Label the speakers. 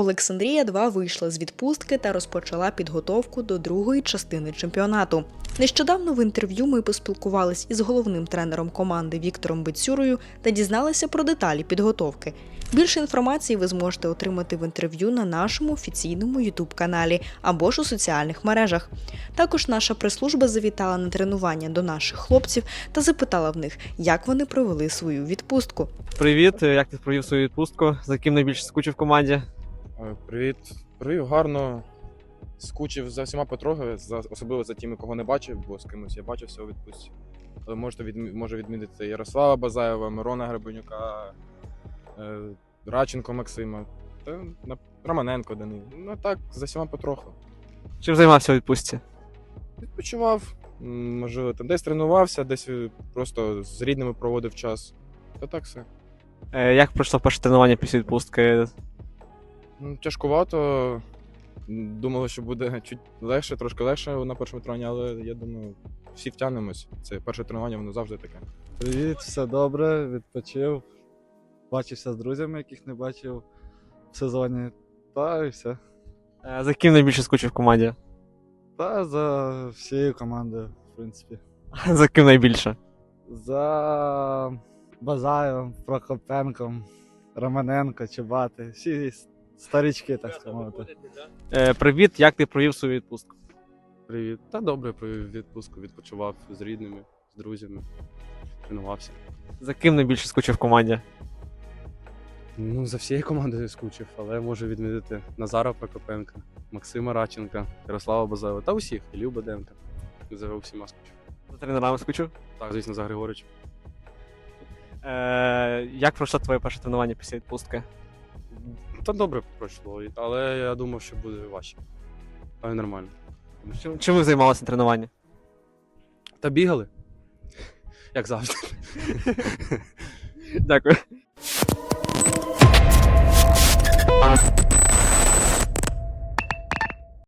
Speaker 1: Олександрія 2 вийшла з відпустки та розпочала підготовку до другої частини чемпіонату. Нещодавно в інтерв'ю ми поспілкувались із головним тренером команди Віктором Бицюрою та дізналися про деталі підготовки. Більше інформації ви зможете отримати в інтерв'ю на нашому офіційному YouTube-каналі або ж у соціальних мережах. Також наша прес-служба завітала на тренування до наших хлопців та запитала в них, як вони провели свою відпустку.
Speaker 2: Привіт, як ти провів свою відпустку? За ким найбільше скучив в команді?
Speaker 3: Привіт. Провів гарно. Скучив за всіма потрохи, особливо за тими, кого не бачив, бо з кимось я бачився у відпустці. Але можу відмітити Ярослава Базаєва, Мирона Гребенюка, Радченко Максима, та Романенко Данил. Ну так, за всіма потроху.
Speaker 2: Чим займався у відпустці?
Speaker 3: Відпочивав, можливо, там десь тренувався, десь просто з рідними проводив час. Та так все.
Speaker 2: Як пройшло перше тренування після відпустки?
Speaker 3: Тяжкувато. Думали, що буде чуть легше, трошки легше на першому тренуванні, але я думаю, всі втягнемось. Це перше тренування, воно завжди таке.
Speaker 4: Привіт, все добре, відпочив. Бачився з друзями, яких не бачив в сезоні. Та і все.
Speaker 2: За ким найбільше скучив в команді?
Speaker 4: Та за всією командою, в принципі.
Speaker 2: За ким найбільше?
Speaker 4: За Базаєвим, Прокопенком, Романенко, Чубати. Всі старички, так сказати.
Speaker 2: Привіт, як ти провів свою відпустку?
Speaker 5: Привіт. Та добре провів відпустку, відпочивав з рідними, з друзями, тренувався.
Speaker 2: За ким найбільше скучив в команді?
Speaker 5: За всією командою скучив, але можу відмітити Назара Прокопенка, Максима Радченка, Ярослава Базаєва та усіх, Ілью Баденка. За всіма скучив.
Speaker 2: За тренерами скучив?
Speaker 5: Так, звісно, за Григоричем.
Speaker 2: Як пройшло твоє перше тренування після відпустки?
Speaker 5: Та добре пройшло, але я думав, що буде важче. Але нормально.
Speaker 2: Чим ви займалися на тренуванні?
Speaker 5: Та бігали, як завжди.
Speaker 2: Дякую.